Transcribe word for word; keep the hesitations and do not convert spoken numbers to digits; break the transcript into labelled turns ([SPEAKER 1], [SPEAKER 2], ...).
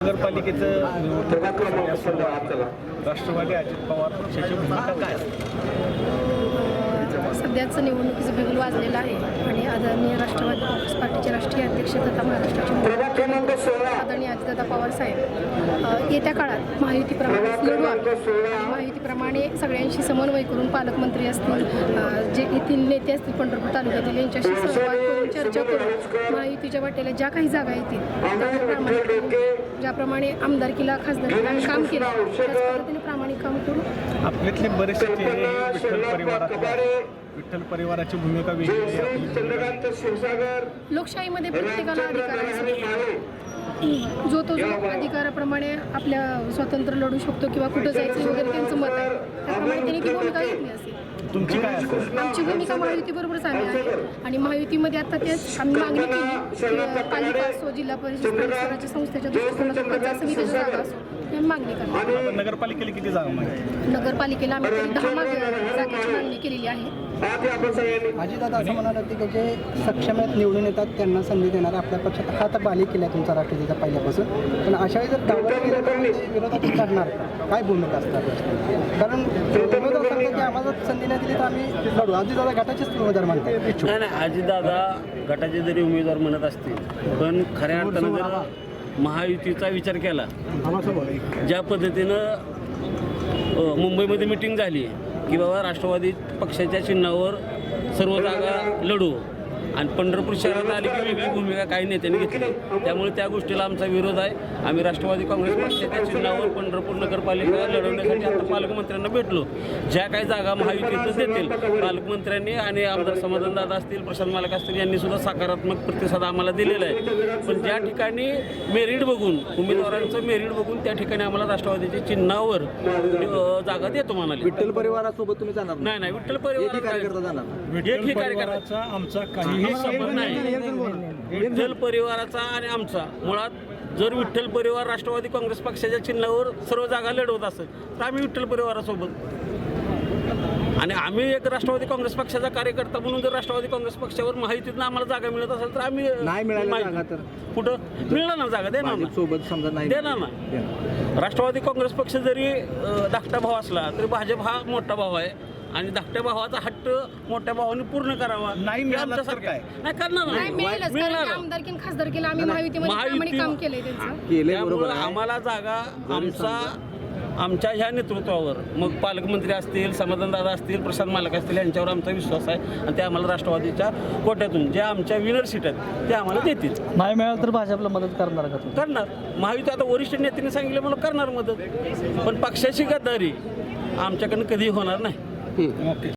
[SPEAKER 1] नगरपालिकेचं राष्ट्रवादी अजित पवार पक्षाची भूमिका काय
[SPEAKER 2] सध्याच निवडणुकीचं बिगुल वाजलेलं आहे आणि आदरणीय राष्ट्रवादी काँग्रेस पार्टीचे राष्ट्रीय अध्यक्ष तथा महाराष्ट्राचे मुख्यमंत्री आदरणीय अजितदादा पवार साहेब अ, येत्या काळात महायुतीप्रमाणे लढू आम्ही महायुतीप्रमाणे सगळ्यांशी समन्वय करून पालकमंत्री असतील अ, जे येथील नेते असतील पंढरपूर तालुक्यातील यांच्याशी संवाद करून चर्चा करून महायुतीच्या वाटेला ज्या काही जागा येतील त्या प्रामाणिक ज्याप्रमाणे आमदारकीला खासदारकीला आम्ही काम केलं त्याच पद्धतीने प्रामाणिक काम करू.
[SPEAKER 1] आपल्यातले बरेचसे चेहरे विठ्ठल परिवारातले विठ्ठल परिवाराची भूमिका वेगळी आहे.
[SPEAKER 2] लोकशाहीमध्ये प्रत्येकाला अधिकार आहे. जो तो जो अधिकाराप्रमाणे आपल्या स्वतंत्र लढू शकतो किंवा कुठं जायचं वगैरे त्यांचं मत आहे त्याप्रमाणे त्यांनी ती भूमिका घेतली असेल.
[SPEAKER 1] तुमची काय असेल?
[SPEAKER 2] आमची भूमिका महायुतीबरोबरच आम्ही आहे आणि महायुतीमध्ये आता तेच आम्ही मागणी केली की पालिका असो जिल्हा परिषद स्वराज्य संस्थेच्या दृष्टिकोनातून पंचायत समितीच्या जागा असो ही मागणी करतो.
[SPEAKER 1] आता नगरपालिकेला किती जागा माहिती?
[SPEAKER 2] नगरपालिकेला आम्ही तरी दहा माग जागेची मागणी केलेली आहे.
[SPEAKER 3] अजितदादा असं म्हणाला की जे सक्षम आहेत निवडून येतात त्यांना संधी देणार आपल्या पक्षात हा तर बाली केला आहे तुमचा राष्ट्रवादीचा पहिल्यापासून पण अशा वेळी जर डावललं गेलं तर ते विरोधात करणार का? काय भूमिका असणार कारण उमेदवार सांगतात की आम्हाला संधी नाही दिली तर आम्ही लढू. अजितदादा गटाचेच उमेदवार म्हणतात इच्छुक.
[SPEAKER 4] नाही नाही अजितदादा गटाचे जरी उमेदवार म्हणत असतील पण खऱ्या अर्थानं जर महायुतीचा विचार केला ज्या पद्धतीनं अ, मुंबईमध्ये मिटिंग झाली की बाबा राष्ट्रवादी पक्षाच्या चिन्हावर सर्व जागा लढू आणि पंढरपूर शहरात आली की वेगळी भूमिका काही नेत्यांनी घेतली त्यामुळे त्या गोष्टीला आमचा विरोध आहे. आम्ही राष्ट्रवादी काँग्रेस पक्षाच्या चिन्हावर पंढरपूर नगरपालिका लढवण्यासाठी आता पालकमंत्र्यांना भेटलो. ज्या काही जागा महायुतीतच देतील पालकमंत्र्यांनी आणि आमदार समाधानदादा असतील प्रशांत मालक असतील यांनी सुद्धा सकारात्मक प्रतिसाद आम्हाला दिलेला आहे. पण ज्या ठिकाणी मेरिट बघून उमेदवारांचं मेरिट बघून त्या ठिकाणी आम्हाला राष्ट्रवादीच्या चिन्हावर अ, जागा देतो म्हणाले.
[SPEAKER 3] विठ्ठल परिवारासोबत तुम्ही जाणार
[SPEAKER 4] नाही नाही विठ्ठल परिवार
[SPEAKER 3] जाणार
[SPEAKER 1] विठ्ठल परिवाराचा आमचा काही
[SPEAKER 4] हे संबंध नाही. विठ्ठल परिवाराचा आणि आमचा मुळात जर विठ्ठल परिवार राष्ट्रवादी काँग्रेस पक्षाच्या चिन्हावर सर्व जागा लढवत असेल तर आम्ही विठ्ठल परिवारासोबत आणि आम्ही एक राष्ट्रवादी काँग्रेस पक्षाचा कार्यकर्ता म्हणून जर राष्ट्रवादी काँग्रेस पक्षावर माहितीतनं आम्हाला जागा मिळत असेल तर आम्ही
[SPEAKER 3] नाही मिळाली जागा तर
[SPEAKER 4] कुठं मिळणार ना जागा देणार ना
[SPEAKER 3] सोबत समजा नाही
[SPEAKER 4] देणार ना. राष्ट्रवादी काँग्रेस पक्ष जरी अ, धाकटा भाव असला तरी भाजप हा मोठा भाव आहे आणि धाकट्या भावाचा हट्ट मोठ्या भावाने पूर्ण करावा.
[SPEAKER 1] नाही मिळालं तर काय?
[SPEAKER 4] नाही करणार
[SPEAKER 2] नाही मिळेलच कारण की आमदारकी आणि खासदारकीला आम्ही महायुतीमध्ये प्रामाणिक काम केलंय त्यांचं.
[SPEAKER 4] त्यामुळे आम्हाला जागा आमचा आमच्या ह्या नेतृत्वावर मग पालकमंत्री असतील समाधानदादा असतील प्रशांत मालक असतील यांच्यावर आमचा विश्वास आहे आणि ते आम्हाला राष्ट्रवादीच्या कोट्यातून ज्या आमच्या विनर सीट आहेत ते आम्हाला देतील.
[SPEAKER 3] नाही मिळालं तर भाजपला मदत करणार का तुम्ही?
[SPEAKER 4] करणार महायुती आता वरिष्ठ नेत्यांनी सांगितलं मला करणार मदत पण पक्षाची गद्दारी आमच्याकडनं कधी होणार नाही.
[SPEAKER 1] ओके.